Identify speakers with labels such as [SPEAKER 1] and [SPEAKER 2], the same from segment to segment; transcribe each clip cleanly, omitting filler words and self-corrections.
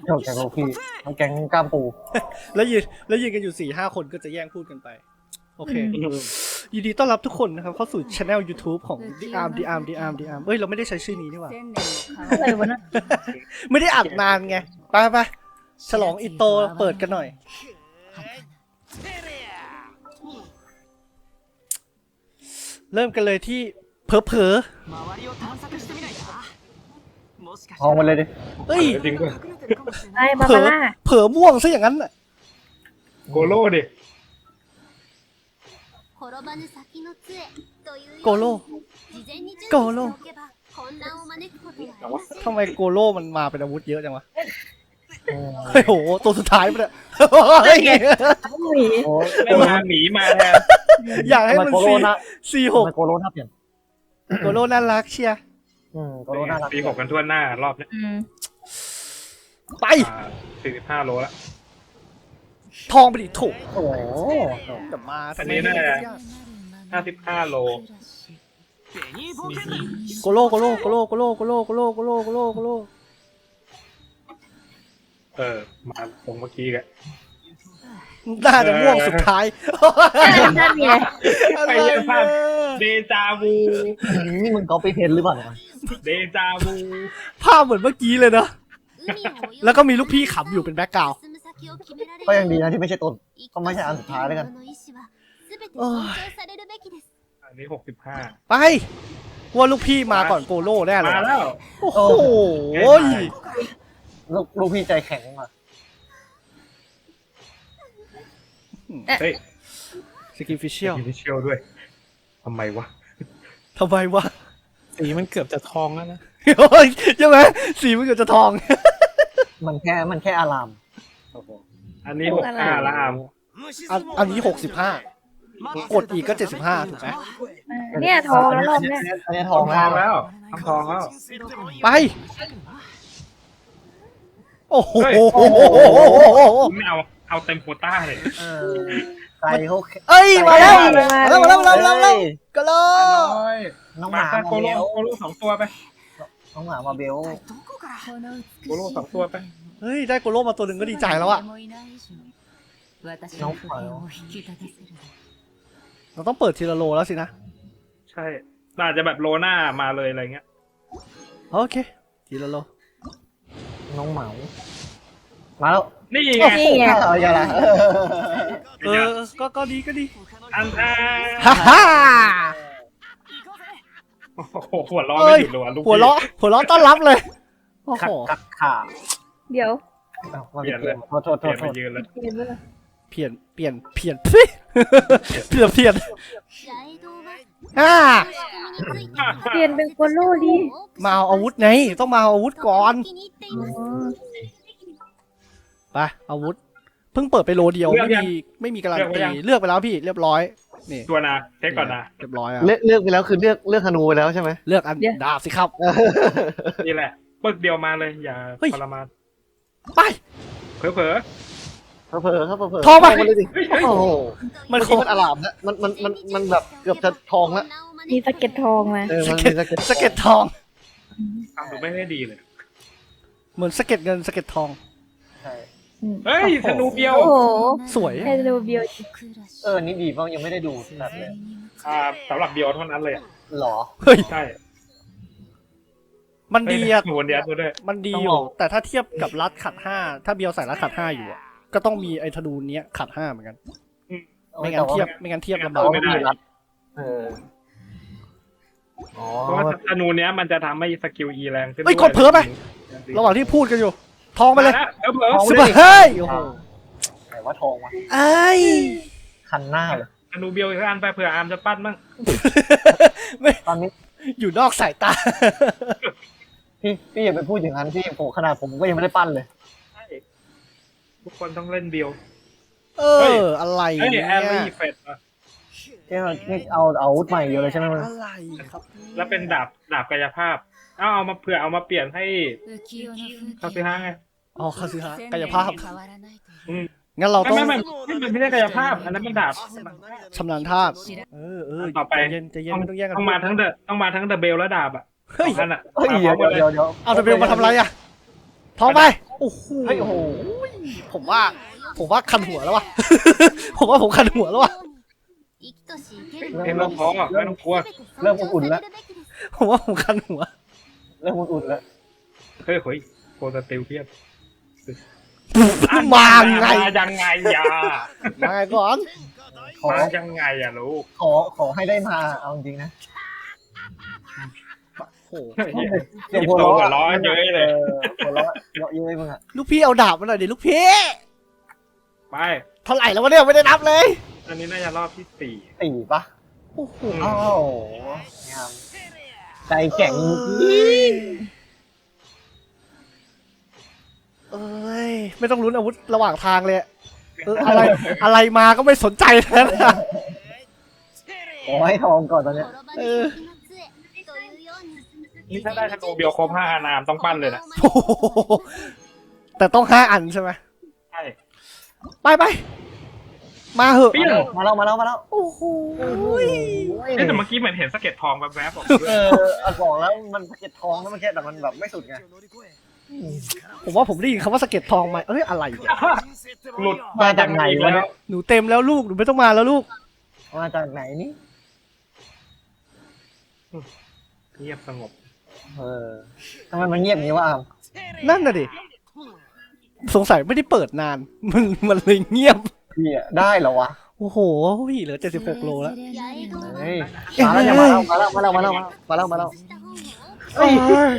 [SPEAKER 1] เกี่ยวกับพี่ทั้งแก๊งกล้ามปู
[SPEAKER 2] แล้วยืนกันอยู่4-5 คนก็จะแย่งพูดกันไปโอเคยินดีต้อนรับทุกคนนะครับเข้าสู่ช anel YouTube ของ The Arm The Arm The Arm The Arm เฮ้ยเราไม่ได้ใช้ชื่อนี้นี่หว่า
[SPEAKER 3] อะไรวะนะ
[SPEAKER 2] ไม่ได้อัดนานไงไปฉลองอิโตเปิดกันหน่อยเริ่มกันเลยที่เผลอ
[SPEAKER 1] ทองมาเลยดิ
[SPEAKER 2] เฮ้ย
[SPEAKER 4] จริงป่ะ
[SPEAKER 3] ไอ้บา
[SPEAKER 2] เผล
[SPEAKER 3] บา
[SPEAKER 2] อ
[SPEAKER 3] ร่า
[SPEAKER 2] เผลอม่วงซะอย่างนั้นน่ะ
[SPEAKER 4] โกโล่ดิ
[SPEAKER 2] โกโลโกโลทำไมโกโลมันมาเป็นอาวุธเยอะจังวะเฮ้ยโหตัวสุดท้ายมันอะเฮ้ย
[SPEAKER 3] หมี
[SPEAKER 1] โอ้ย
[SPEAKER 4] ไม่มาหมีมาแทน
[SPEAKER 2] อยากให้มัน
[SPEAKER 1] โกโลนะ
[SPEAKER 2] C6
[SPEAKER 1] โกโลน่าเปลี่ยน
[SPEAKER 2] โกโลน่ารักเชียร์
[SPEAKER 1] โกโลน่ารัก
[SPEAKER 4] ปี6กันทั่วหน้ารอบเนี้ย
[SPEAKER 2] ไป
[SPEAKER 4] 45 โลแล้ว
[SPEAKER 2] ทองไปดิโถ
[SPEAKER 1] โอ้โห
[SPEAKER 2] แต่มา
[SPEAKER 4] อันนี้น่าจะ55 โล
[SPEAKER 2] โกโลโกโลโกโลโกโลโกโลโกโลโกโลโกโลโกโล
[SPEAKER 4] มาตรงเมื่อกี้กัน
[SPEAKER 2] น่าจะม่วงสุดท้าย
[SPEAKER 3] นั่นไง
[SPEAKER 2] อะไร
[SPEAKER 4] ไปยังภาพ
[SPEAKER 2] เนี่ย
[SPEAKER 4] เดจาวู
[SPEAKER 1] นี่มึงก๊อปปี้เพนหรือเปล่าเนี่ย
[SPEAKER 4] เดจาวู
[SPEAKER 2] ภาพเหมือนเมื่อกี้เลยเนอะแล้วก็มีลูกพี่ขำอยู่เป็นแบ็คกราวด์
[SPEAKER 1] ก็ยังดีนะที่ไม่ใช่ต้นก็ไม่ใช่อันสุดท้ายแล้วกัน
[SPEAKER 4] อันนี้65
[SPEAKER 2] ไปว่าลูกพี่มาก่อนโกโลแน่เลย
[SPEAKER 4] มาแล้ว
[SPEAKER 2] โอ้โห
[SPEAKER 1] ลูกพี่ใจแข็งมา
[SPEAKER 4] เฮ้ย
[SPEAKER 2] สกินฟิชเชียล
[SPEAKER 4] มีเชียลด้วยทำไมวะ
[SPEAKER 2] ทำไมวะ
[SPEAKER 5] สีมันเกือบจะทองแล้วนะ
[SPEAKER 2] โอ้ยใช่ไหมสีมันเกือบจะทอง
[SPEAKER 1] มันแค่อาราม
[SPEAKER 4] อันนี้65ละอาม
[SPEAKER 2] อันนี้65กดอีกก็75ถูกไหม
[SPEAKER 3] เนี่ยทองแล้วรอบเนี่ย
[SPEAKER 1] อันนี้ท
[SPEAKER 4] ท
[SPEAKER 1] อ
[SPEAKER 4] อง ง
[SPEAKER 1] แล้ว
[SPEAKER 4] แล้วทองแล้ว
[SPEAKER 2] ไปโอ้โห
[SPEAKER 4] ไม่เอาเต็มโควต้าเลย
[SPEAKER 1] ไก่เขา
[SPEAKER 2] เอ้ยมาแล้ว
[SPEAKER 3] มา
[SPEAKER 2] มาแล้วก็โล
[SPEAKER 1] น้องห
[SPEAKER 4] มา
[SPEAKER 1] มา
[SPEAKER 4] ซะ
[SPEAKER 1] มา
[SPEAKER 4] โก
[SPEAKER 1] เบ
[SPEAKER 4] โล่
[SPEAKER 1] ล
[SPEAKER 4] โกโล่2 ตัวไป
[SPEAKER 1] น้องหมามาเบล
[SPEAKER 4] โกโล่2 ตัวไป
[SPEAKER 2] เฮ้ยได้โกโลมาตัวหนึ่งก็ดีใจแล้วอะ
[SPEAKER 1] น้องหมา
[SPEAKER 2] เราต้องเปิดทีละโลแล้วสินะ
[SPEAKER 4] ใช่อาจจะแบบโลหน้ามาเลยอะไรเงี้ย
[SPEAKER 2] โอเคทีละโล
[SPEAKER 1] น้องเหมามาแล้ว
[SPEAKER 4] นี่
[SPEAKER 2] โอ้
[SPEAKER 4] ไง
[SPEAKER 2] โห
[SPEAKER 3] นี่ไง
[SPEAKER 1] อะไรกันล่ะ
[SPEAKER 2] ก็ดีก็ดี
[SPEAKER 4] อัน
[SPEAKER 2] ฮ่าฮ่า
[SPEAKER 4] โอ้โหหัวล้อไม่หยุดเลยว่ะลูก
[SPEAKER 2] หัวเราะต้อนรับเลยโอ้
[SPEAKER 1] ขั
[SPEAKER 2] โห
[SPEAKER 1] ดกักขา
[SPEAKER 3] เดี๋ยว
[SPEAKER 1] มาเปลี่ยนเลยโทษ
[SPEAKER 4] เปลี่ยนมายืนเลย
[SPEAKER 3] เห็นไหมล่ะ
[SPEAKER 2] เปลี่ยนเปลี่ยนเปลี่ยนอ่า
[SPEAKER 3] เปลี่ยนเป็นโกโลดี
[SPEAKER 2] มาเอาอาวุธไงต้องมาเอาอาวุธก่อน
[SPEAKER 3] อ๋อ
[SPEAKER 2] ไปอาวุธเพิ่งเปิดไปโลเดียวไม่มีการันตีเลือกไปแล้วพี่เรียบร้อยนี่
[SPEAKER 4] ตัวนะเช็คก่อนนะ
[SPEAKER 2] เรียบร้อยอะ
[SPEAKER 1] เลือกไปแล้วคือเลือกธนูไปแล้วใช่ไหม
[SPEAKER 2] เลือกอันดาบสิครับ
[SPEAKER 4] นี่แหละปึกเดียวมาเลยอย่า
[SPEAKER 2] เฮ้ย
[SPEAKER 4] ทรมาน
[SPEAKER 2] ไป
[SPEAKER 4] เผลอ
[SPEAKER 1] เผลอครับเผลอ
[SPEAKER 2] ทองปะ
[SPEAKER 1] มาเลยดิ
[SPEAKER 4] เฮ้ยเฮ้ย
[SPEAKER 1] โอ้โห
[SPEAKER 2] มัน
[SPEAKER 1] เมื่อกี้มันอารามแล้วมันแบบเกือบจะทองแล้ว
[SPEAKER 3] มีสะเก็ดทองมา
[SPEAKER 1] มันมีสะเก็ด
[SPEAKER 2] สะเก็ดทอง
[SPEAKER 4] ทำดูไม่ได้ดีเลย
[SPEAKER 2] เหมือนสะเก็ดเงินสะเก็ดทอง
[SPEAKER 1] ใช่
[SPEAKER 4] เฮ้ยธนูเบี้ยว
[SPEAKER 3] โอ้โห
[SPEAKER 2] สวย
[SPEAKER 3] เฮโดเบียว
[SPEAKER 1] นี่ดีเพราะยังไม่ได้ดูแบบเลย
[SPEAKER 4] สำหรับเบี้ยวเท่านั้นเลยอะ
[SPEAKER 1] หรอ
[SPEAKER 2] เฮ้ย
[SPEAKER 4] ใช่
[SPEAKER 2] มันดีอะ
[SPEAKER 4] หนูเดียวด้วย
[SPEAKER 2] มันดี
[SPEAKER 1] ต้อง
[SPEAKER 2] อ
[SPEAKER 1] ล
[SPEAKER 2] ยู่
[SPEAKER 1] อง
[SPEAKER 2] แต่ถ้าเทียบกับรัดขัด5ถ้าเบียวใส่รัดขัด5อยู่อะก็ต้องมีไอ้ธนูเนี้ยขัด5เหมือนกันไม่งั้นเทียบลำบาก
[SPEAKER 1] ไม่ได้รัดอ๋อ
[SPEAKER 4] เพราะว่าธนูเนี้ยมันจะทำให้สกิล E แรงขึ้น
[SPEAKER 2] เฮ้ยกดเผลอไประหว่างที่พูดกันอยู่ ทองไปเลย
[SPEAKER 4] เผลอ
[SPEAKER 2] สิบเฮ้ยโอ้โห
[SPEAKER 1] ไหนว่าทองวะ
[SPEAKER 2] ไอ้
[SPEAKER 1] คันหน้าเลย
[SPEAKER 4] ธนูเบี้ยวอีกอันไปเผื่ออาร์มจะปั้นบ้าง
[SPEAKER 2] ไม่
[SPEAKER 1] ตอนนี้
[SPEAKER 2] อยู่นอกสายตา
[SPEAKER 1] พี่อย่าไปพูดอย่างนั้นพี่ผมขนาดผมก็ยังไม่ได้ปั้นเลย
[SPEAKER 4] ใช่ทุกคนต้องเล่นเบี้ยว
[SPEAKER 2] เอออะไร
[SPEAKER 4] เฮ้ย
[SPEAKER 2] เนี่ย
[SPEAKER 4] แอรี่เฟดอะ
[SPEAKER 1] นี่เอาอาวุธใหม่เดียวเลยใช่ไหมมึง
[SPEAKER 2] อะไรครับ
[SPEAKER 4] แล้วเป็นดาบกายภาพเอามาเผื่อเอามาเปลี่ยนให้คาซิฮะไง
[SPEAKER 2] อ๋อคาซึฮะกายภาพ
[SPEAKER 4] อืม
[SPEAKER 2] งั้นเราต้อง
[SPEAKER 4] ไม่ใช่กายภาพ อันนั้นเป็นดาบ
[SPEAKER 2] ชำนาญธาตุเออ
[SPEAKER 4] ต่อไป
[SPEAKER 2] ใจเย็นไม่ต้องแย่งกัน
[SPEAKER 4] ต้องมาทั้งเดอะเบลและดาบอ่ะ
[SPEAKER 2] เฮ้ย
[SPEAKER 4] สองอันอ่ะ
[SPEAKER 1] เฮ้ยเดี๋ยว
[SPEAKER 2] เอาแต่เบลมาทำอะไรอ่ะทองไปโอ้โห
[SPEAKER 1] เฮ้ยโอ้โห
[SPEAKER 2] ผมว่าคันหัวแล้ววะ ผมว่าผมคันหัวแล้ววะ
[SPEAKER 4] เอ็มเราพอไม่ต้องกลัว
[SPEAKER 1] เริ่มอุ่นๆแล้ว
[SPEAKER 2] ผมว่าผมคันหัว
[SPEAKER 1] เริ่มอุ่นๆแล้ว
[SPEAKER 4] เฮ้ยโคตรติวเพียบ
[SPEAKER 2] มาไง
[SPEAKER 4] มายังไงยา
[SPEAKER 2] มาไงก่อน
[SPEAKER 1] ขอ
[SPEAKER 4] มายังไงอะลูก
[SPEAKER 1] ขอให้ได้มาเอาจริงๆนะ
[SPEAKER 2] โอ้โห
[SPEAKER 1] เสียง
[SPEAKER 4] หยิบ
[SPEAKER 1] หัว
[SPEAKER 4] ตัว
[SPEAKER 1] เราะ
[SPEAKER 4] หัวร้อนเยอะเลย
[SPEAKER 1] หัวเราะเยอะเย้ยมึงอะ
[SPEAKER 2] ลูกพี่เอาดาบมาหน่อยดิลูกพี่
[SPEAKER 4] ไป
[SPEAKER 2] เท่าไหร่แล้ววะเนี่ยไม่ได้นับเลย
[SPEAKER 4] อันนี้น่าจะรอบที่
[SPEAKER 1] ตีปะ
[SPEAKER 2] โอ้โห
[SPEAKER 1] อ้าวงามใจแข็ง
[SPEAKER 2] เอ้ยไม่ต้องลุ้นอาวุธระหว่างทางเลยอะไรมาก็ไม่สนใจแล้วนะ
[SPEAKER 1] ขอให้ทองก่อนตอนเนี้ย
[SPEAKER 4] 4นี่ถ้าได้ธนูเบียวครบ5อานามต้องปั้นเลยนะ
[SPEAKER 2] โอ้โหแต่ต้อง5 อันใช่ไหม
[SPEAKER 4] ใช่
[SPEAKER 2] ไปมาเหอะ
[SPEAKER 4] เปี้ยง
[SPEAKER 1] มาแล้ว
[SPEAKER 2] โอ้โห
[SPEAKER 4] แต่เมื่อกี้เหมือนเห็นสะเก็ดทองแวบๆออกด้วย
[SPEAKER 1] บอกแล้วมันสะเก็ดทองแล้วเมื่อกี้แต่มันแบบไม่สุดไง
[SPEAKER 2] ผมว่าผมได้ยินคำว่าสะเก็ดทองมาอะไรเนี่ย
[SPEAKER 4] หลุด
[SPEAKER 1] มาจากไหนวะเนี่ย
[SPEAKER 2] หนูเต็มแล้วลูกหนูไม่ต้องมาแล้วลูก
[SPEAKER 1] มาจากไหนนี่
[SPEAKER 4] เงียบสงบ
[SPEAKER 1] ทำไมมันเงียบอย่างนี้วะอาม
[SPEAKER 2] นั่นน่ะดิสงสัยไม่ได้เปิดนาน มันเลยเงียบ
[SPEAKER 1] พี่อะได้เหรอวะ
[SPEAKER 2] โอ้โหเหลือ76 โลแล้ว
[SPEAKER 1] เฮ้ยมาแล้วเนี่ยมาแล้ว
[SPEAKER 2] เอ้ย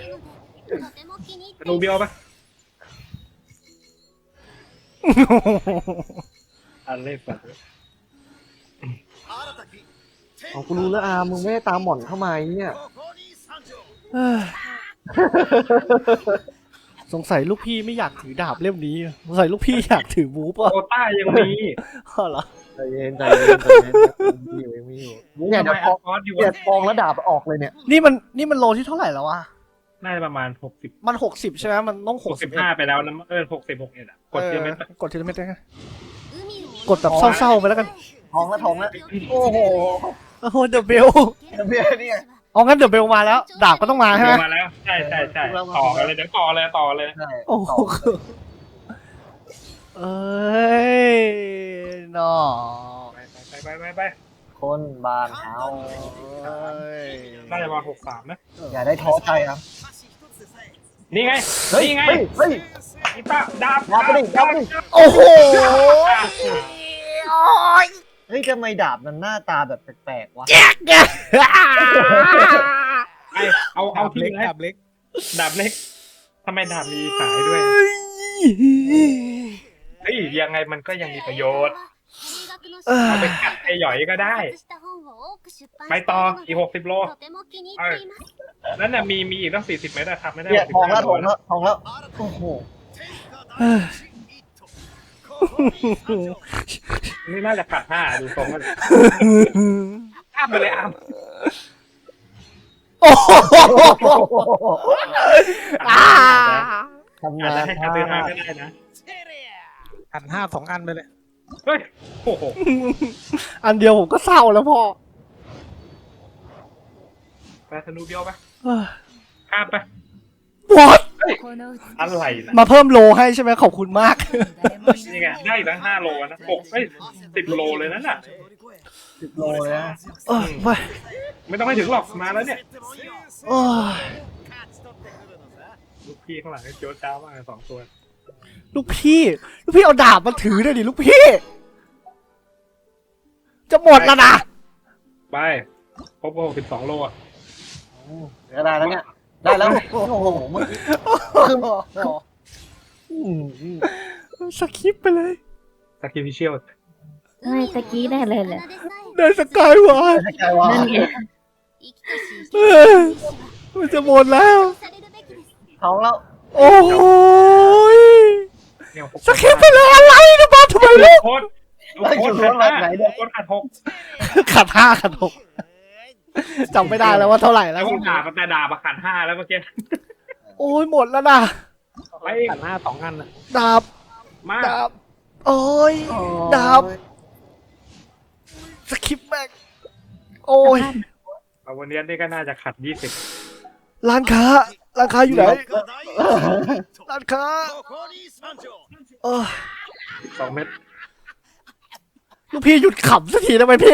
[SPEAKER 4] ธนูเบียวปะอันเล่ฝัน
[SPEAKER 1] เอากูรู้แล้วอามมึงไม่ได้ตามหม่อนเข้ามาไอ้เนี่ย
[SPEAKER 2] เอ้ยสงสัยลูกพี่ไม่อยากถือดาบเล่มนี้สงสัยลูกพี่อยากถือบู๊ป่ะ
[SPEAKER 4] โคต้ายังมี
[SPEAKER 2] อ๋อเหรอ
[SPEAKER 1] ใจเย็นมีอยู่
[SPEAKER 4] เนี่
[SPEAKER 1] เนี่ย ย
[SPEAKER 4] เดี๋
[SPEAKER 1] เดี๋
[SPEAKER 4] ย
[SPEAKER 1] ยว ว
[SPEAKER 4] คอร์สอยู่
[SPEAKER 1] เกียดทองแล้วดาบออกเลยเนี่ย
[SPEAKER 2] นี่มันโลที่เท่าไหร่แล้ววะ
[SPEAKER 4] น่าจะประมาณ60
[SPEAKER 2] มัน60ใช่ไหมมันต้อง61
[SPEAKER 4] 65ไปแล้วนะ60 61อ่ะกดเทียมเม็ด
[SPEAKER 2] กดทีละเม็ดได้ไงกดแบบเศร้าๆไปแล้วกัน
[SPEAKER 1] ทองแล้วโอ้โห
[SPEAKER 2] โอ้โหเดอะเบล
[SPEAKER 1] เบียร์เนี่ย
[SPEAKER 2] เอางั้นเดอะเบลมาแล้ว ดาบก็ต้องมาใช่ไหม
[SPEAKER 4] มาแล้วใช่ต่อกันเลยเดี๋ยวต่อเลย
[SPEAKER 1] ใช่
[SPEAKER 2] โอ้โหเอ้ยน้อ
[SPEAKER 4] ไป
[SPEAKER 1] คนบานเฮา
[SPEAKER 2] เอ้ย
[SPEAKER 4] น่าจะมา63นะ
[SPEAKER 1] อย่าได้ท้อใจครับ
[SPEAKER 4] นี่ไง
[SPEAKER 1] เฮ้ย
[SPEAKER 4] นี่ไง
[SPEAKER 1] เฮ้ย
[SPEAKER 4] อีตาดาบ
[SPEAKER 1] ดาบไปดิ
[SPEAKER 2] โอ้โห
[SPEAKER 1] เฮ้ยทำไมดาบมันหน้าตาแบบแปลกๆวะ
[SPEAKER 4] ไอเอาที่
[SPEAKER 5] เล็ก
[SPEAKER 4] เลย
[SPEAKER 5] ดาบเล็ก
[SPEAKER 4] ดาบเล็กทำไมดาบมีสายด้วยเฮ้ยยังไงมันก็ยังมีประโยชน์เอาไปกัดไอหย่อยก็ได้ ไปต่ออีก60 โลนั่นน่ะมีอีกตั้ง40 เมตรอะครับไม่ได้
[SPEAKER 1] เนี่ยทองแล้ว
[SPEAKER 4] 65
[SPEAKER 1] ทองแล้วโอ้โห
[SPEAKER 4] นี่น่าจะขาด5ดูทรงมันข้ามไปเลยอ้าม
[SPEAKER 2] โอ้โห
[SPEAKER 1] ทำ
[SPEAKER 4] อาจ
[SPEAKER 1] งา
[SPEAKER 4] จะ
[SPEAKER 1] น
[SPEAKER 4] ให้คาเตนาก็ได้นะ
[SPEAKER 5] อัน5 2 อันไปเลย
[SPEAKER 4] เฮ้ยโอ้โห
[SPEAKER 2] อันเดียวผมก็เศร้าแล้วพ่อ
[SPEAKER 4] ไปธนูเบี้ยวไปข้ามไป
[SPEAKER 2] What
[SPEAKER 4] อะไรนะ
[SPEAKER 2] มาเพิ่มโลให้ใช่ไหมขอบคุณมาก
[SPEAKER 4] นี่ไงได้อีกตั้ง5 โลนะ10 โลเลยนั่นน่ะ
[SPEAKER 1] 10 โลเลยนะ
[SPEAKER 2] ไป
[SPEAKER 4] ไม่ต้องให้ถึงหรอกมาแล้วเนี่ย
[SPEAKER 2] โอ้ย
[SPEAKER 4] ลูกพี่ข้างหลังโจ๊ดจ้ามาก2 ตัว
[SPEAKER 2] ลูกพี่เอาดาบมาถือหน่อยดิลูกพี่ จะหมดแล้วนะ
[SPEAKER 4] ไปครบ62 โลอ่ะ
[SPEAKER 1] ได้แล้วเนี่ยได้แล้วโอ้โหเมื่อกี้คือ
[SPEAKER 2] สคิปไปเลย
[SPEAKER 4] สักคิฟิเชียล
[SPEAKER 3] ไม่ตะกี้ได้เลยแหละ
[SPEAKER 2] ได้สกายวาร์
[SPEAKER 1] ใจว่า
[SPEAKER 3] นั่นไง
[SPEAKER 2] มันจะหมดแล้ว
[SPEAKER 1] ท้องแล้ว
[SPEAKER 2] โอ้ย
[SPEAKER 4] เนี่ย
[SPEAKER 2] สคิปไปเลยอะไรนะบ้าทำไมลูก
[SPEAKER 4] โคตรขาด6
[SPEAKER 2] ขาด6จำไม่ได้แล้วว่าเท่าไหร่แล้
[SPEAKER 4] แล้ว วก็แต่ด่ามาขาด5แล้วเมื่อกี้
[SPEAKER 2] โอ้ยหมดแล้วนะ
[SPEAKER 4] ไป
[SPEAKER 5] อัน5 2 อันนะ
[SPEAKER 2] ดาบ
[SPEAKER 4] มา
[SPEAKER 2] ดาบโอ้ยดาบสคิปแม่งโอ้ย
[SPEAKER 4] วันนี้นี่ก็น่าจะขัด20
[SPEAKER 2] ร้านค้าร้านค้าอยู่ไหนร้านค้าเออ
[SPEAKER 4] 2 เม็ด
[SPEAKER 2] ลูกพี่หยุดขำสักทีได้ไหมพี่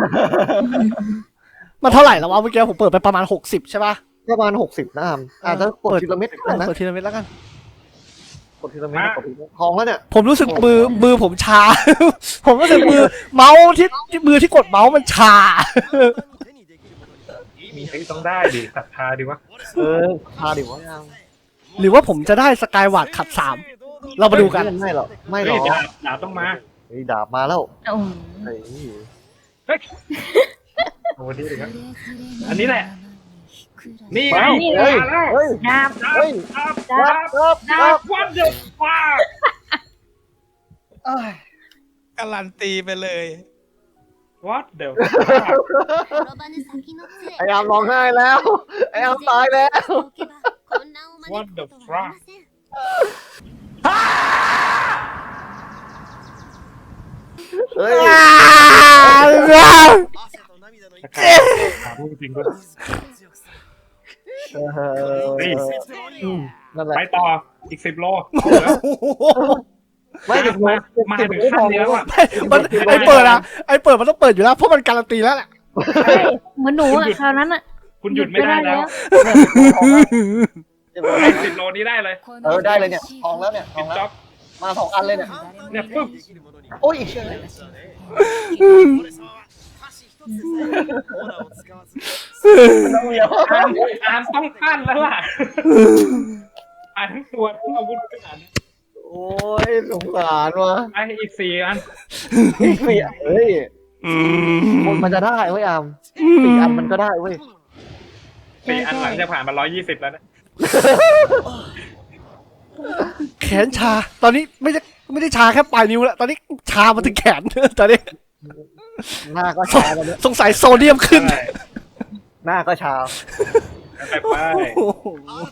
[SPEAKER 2] มันเท่าไหร่แล้ววะเมื่อกี้ผมเปิดไปประมาณ60ใช่ป่ะ
[SPEAKER 1] ประมาณ60นะอาจจะกดทีละเม็ดก็ได้นะ
[SPEAKER 2] เปิดทีละเม็ดแล้วกัน
[SPEAKER 1] กดทีละเม็ดกดทีละเม็ดทองแล้วเนี่ย
[SPEAKER 2] ผมรู้สึกมือผมชา ผมรู้สึกเมาส์ที่มือที่กดเมาส์มันชา
[SPEAKER 4] เฮ้ยต้องได้ดิศรัทธาดิวะ
[SPEAKER 1] พาดิวะยัง
[SPEAKER 2] หรือว่าผมจะได้สกายวาร์ดขัด3เรามาดูกัน
[SPEAKER 1] ไม่หรอกไม่หร
[SPEAKER 4] เฮ้
[SPEAKER 1] อย ก
[SPEAKER 4] ดาบต้องมา
[SPEAKER 1] เฮ้ยดาบมาแล้ว
[SPEAKER 3] โอ้โห
[SPEAKER 1] เฮ้ย
[SPEAKER 4] เฮ้ยโอ้ดีเลยครับอันนี้แหละนี่ไง
[SPEAKER 1] เฮ้ย
[SPEAKER 4] มาแล้ว
[SPEAKER 1] เฮ้ย
[SPEAKER 3] ดาบ
[SPEAKER 1] เฮ้ย
[SPEAKER 4] ดาบ
[SPEAKER 1] ดาบ
[SPEAKER 4] วันเดอร์ฟ้า
[SPEAKER 5] การันตีไปเลย
[SPEAKER 4] What the
[SPEAKER 1] ไอ้อามร้องไห้แล้วไอ้อามตายแล้ว
[SPEAKER 4] What the fuck
[SPEAKER 1] เฮ้ย
[SPEAKER 4] ถามจริงๆก็
[SPEAKER 1] นี่นั่นแหละ
[SPEAKER 4] ไปต่ออีก10 โล
[SPEAKER 1] ไม่ถึง
[SPEAKER 4] มาถึงขั้นนี้แล้วอ่ะ
[SPEAKER 2] มันไอเปิดมันต้องเปิดอยู่แล้วเพราะมันการันตีแล้วแหละ
[SPEAKER 3] เฮ้ยเหมือนหนูอะคราวนั้นอะ
[SPEAKER 4] คุณหยุดไม่ได้แล้ว ไอ้10 โลนี้ได้เลย
[SPEAKER 1] ได้เลยเนี่ยทองแล้วเนี่ยท
[SPEAKER 4] ปิ
[SPEAKER 1] อง
[SPEAKER 4] ด
[SPEAKER 1] แล้ว
[SPEAKER 4] จ็อบ
[SPEAKER 1] มา2 อันเลยเนี่ย
[SPEAKER 4] เนี่ยปึ๊บ
[SPEAKER 1] โอ้ย
[SPEAKER 4] อ่านต้องปั้นแล้วล่ะอ่านทั้งตัวทั้งอาวุธขนาดนี้
[SPEAKER 1] โอ้ยสงสารว่ะ
[SPEAKER 4] ไอ้อีก4 อัน
[SPEAKER 1] อีก4เฮ้ยคนมันจะได้เว้ยอาม4 อันมันก็ได้เว้ย
[SPEAKER 4] 4 อันหลังจะผ่านมา120แล้วนะ
[SPEAKER 2] แขนชา ตอนนี้ไม่ได้ชาแค่ปลายนิ้วแล้วตอนนี้ชามาถึงแขน ตอนนี้
[SPEAKER 1] หน้าก็ชาแล้วเนี่ย
[SPEAKER 2] สงสัยโซเดียมขึ้น
[SPEAKER 4] ใช่
[SPEAKER 1] หน้าก็ชา
[SPEAKER 4] ไป
[SPEAKER 2] โอ้โห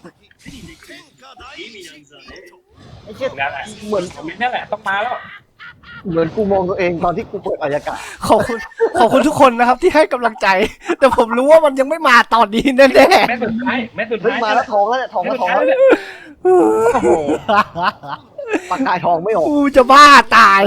[SPEAKER 1] ไอ้เชี่ย
[SPEAKER 4] นั่นแหละ
[SPEAKER 1] เหมือน
[SPEAKER 4] นี่แหละต้องมาแล้ว
[SPEAKER 1] เหมือนกูมองตัวเองตอนที่กูเปิดอายากาศ
[SPEAKER 2] ขอบคุณทุกคนนะครับที่ให้กำลังใจ แต่ผมรู้ว่ามันยังไม่มาตอนนี้แน่
[SPEAKER 4] แม่สุดท้ายแม่สุด
[SPEAKER 1] เฮ้ย
[SPEAKER 4] ท้าย
[SPEAKER 1] มาแล้วทองแล้วเนี่ยทอง
[SPEAKER 4] แม่
[SPEAKER 1] แล้ว
[SPEAKER 4] สุด
[SPEAKER 1] ทอง
[SPEAKER 4] ท้าย
[SPEAKER 1] แล้ว
[SPEAKER 4] เนี่ย
[SPEAKER 1] โอ้โหปากกายทองไม่ออก
[SPEAKER 2] ๆกูจะบ้าตาย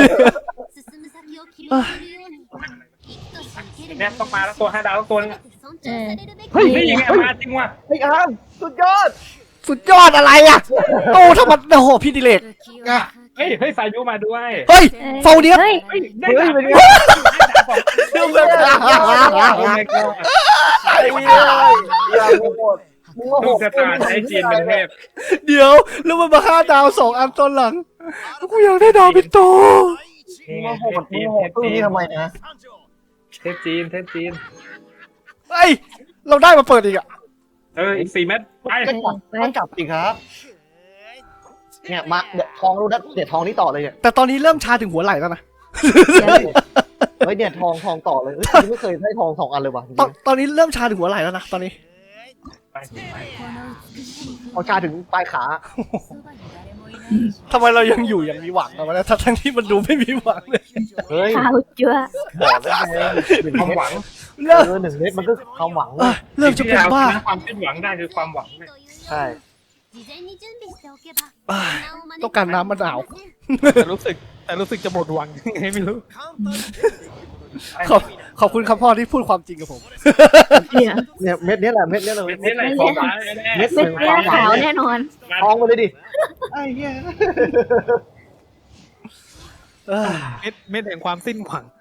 [SPEAKER 4] เนี่ยต้องมาแล้วตัว5 ดาวตัวนึง
[SPEAKER 1] เฮ้ย
[SPEAKER 4] นี่ยังไงมาจริงว่ะ
[SPEAKER 1] ไอ้อามสุดยอด
[SPEAKER 2] สุดยอดอะไรอ่ะโอ้ถ้ามันโอ้โหพี่ดิเลกอ่ะ
[SPEAKER 4] เฮ้ยสายุมาด้วย
[SPEAKER 2] เฮ้ยโฟเดียส
[SPEAKER 3] เฮ้ย
[SPEAKER 4] เฮ้ยได้
[SPEAKER 1] เฮ้ย
[SPEAKER 4] ดาบ
[SPEAKER 1] เป็นไง
[SPEAKER 2] เรื่องแบบ
[SPEAKER 4] โอ้ my god
[SPEAKER 1] ไอ้เหี้ยอย่าโหดมึงมาโห
[SPEAKER 4] ลูก
[SPEAKER 1] ด
[SPEAKER 4] ชะตาใช้จีนเป็นเทพ
[SPEAKER 2] เดี๋ยวแล้วมันมา5 ดาว2 อันตอนหลังกูอยากได้ดาวเป็นโต
[SPEAKER 1] มึงมาโหดตู้นี้ทำไมนะ
[SPEAKER 4] เทพจีน
[SPEAKER 2] เฮ้ยเราได้มาเปิดอีกอ่ะ
[SPEAKER 4] อีก4 เม็ดไป
[SPEAKER 1] ก็จับสิครับเนี่ยมาเดี๋ยวทองรู้นะเดี๋ยวทองนี่ต่อเลยเนี่ย
[SPEAKER 2] แต่ตอนนี้เริ่มชาถึงหัวไหล่แล้วนะ
[SPEAKER 1] เฮ้ยเนี่ยทองต่อเลยไม่เคยได้ทอง2 อันเลยว่ะ
[SPEAKER 2] ตอนนี้เริ่มชาถึงหัวไหล่แล้วนะตอนนี้
[SPEAKER 1] เอาชาถึงปลายขา
[SPEAKER 2] ทำไมเรายังอยู่อย่างมีหวังอะวะเนี่ยทั้งที่มันดูไม่มีหวังเลย
[SPEAKER 1] เฮ้ย
[SPEAKER 3] ขาวจั๊ว
[SPEAKER 1] บอกได้ไง1
[SPEAKER 4] ความ
[SPEAKER 1] เม็ด
[SPEAKER 4] หวัง
[SPEAKER 2] เริ่ม
[SPEAKER 1] 1 เม็ดมันก็ความหวัง
[SPEAKER 2] เอ้ยเริ่มจะเป็นบ้า
[SPEAKER 4] ความสิ้นหวังได้คือความหวังเนี่ย
[SPEAKER 1] ใช่
[SPEAKER 2] เอ้ยต้องการน้ำมะนาว
[SPEAKER 5] แต่รู้สึกจะหมดหวังยังไงไม่รู้
[SPEAKER 2] ขอบคุณครับพ่อที่พูดความจริงกับผม
[SPEAKER 3] เนี่ย
[SPEAKER 1] เนี่ยเม็ดนี้แหละเม็ดนี้เลย
[SPEAKER 4] นี่แหละความหวังแน่
[SPEAKER 1] เม็ด
[SPEAKER 3] เม็ดเลือดขาวแน่นอน
[SPEAKER 1] ทองมาเลยดิไอ้เหี้ย
[SPEAKER 2] เอ้ย
[SPEAKER 5] เม็ดแห่งความสิ้นหวัง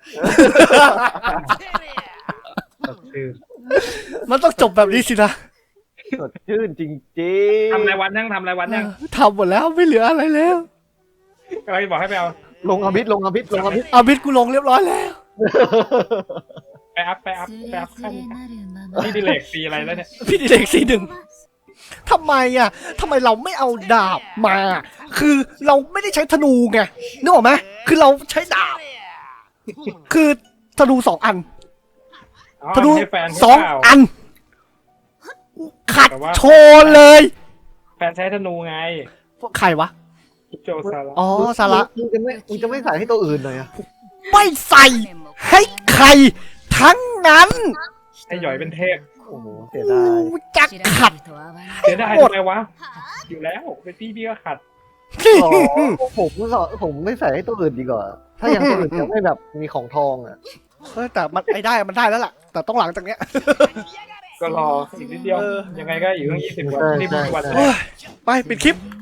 [SPEAKER 4] คือ
[SPEAKER 2] มันต้องจบแบบนี้สินะ
[SPEAKER 1] สดชื่นจริงๆ
[SPEAKER 4] ทำรายวันยังทำรายวันยัง
[SPEAKER 2] ทำหมดแล้วไม่เหลืออะไรแล้ว
[SPEAKER 4] อะไรบอกให้ไปเอา
[SPEAKER 1] ลงอภิษลงอภิษลงอภิษ
[SPEAKER 2] อาบิดกูลงเรียบร้อยแล้ว
[SPEAKER 4] ไปอัพขั้นพี่ดิเลกปีอะไรแล้วเนี่ย
[SPEAKER 2] พี่ดิเลก41ทำไมอ่ะทำไมเราไม่เอาดาบมา คือเราไม่ได้ใช้ธนูไงนึกออกไหมคือเราใช้ดาบ คือธนู2 อันธนู
[SPEAKER 4] ให้แฟน
[SPEAKER 2] 2 อัน ขัดโชว์เลย
[SPEAKER 4] แฟนใช้ธนูไง
[SPEAKER 2] ใครวะ
[SPEAKER 4] โจซาระ
[SPEAKER 2] อ๋อสาระ
[SPEAKER 1] มึงจะไม่ใส่ให้ตัวอื่นหน่อยอะ
[SPEAKER 2] ไม่ใส่ให้ใครทั้งนั้น
[SPEAKER 4] ให้หย่อยเป็นเทพ
[SPEAKER 1] โอ้โหเสียดาย
[SPEAKER 2] จักขัด
[SPEAKER 4] เสียดายทำไมวะอยู่แล้วเป็นพี่ก็ขัด
[SPEAKER 1] อ๋อผมไม่ใส่ให้ตัวอื่นดีกว่า ถ้าอย่างตัวอื่นจะไม่แบบมีของทองอ่ะ
[SPEAKER 2] แต่มันไอ้ได้มันได้แล้วล่ะ แต่ต้องหลังจากเนี้ย
[SPEAKER 4] ก็รออีกนิดเดียวยังไงก็อยู่ตั้ง20 วันนี่เป็นวันแร
[SPEAKER 2] โอ้
[SPEAKER 4] ก
[SPEAKER 2] ยไปปิดคลิป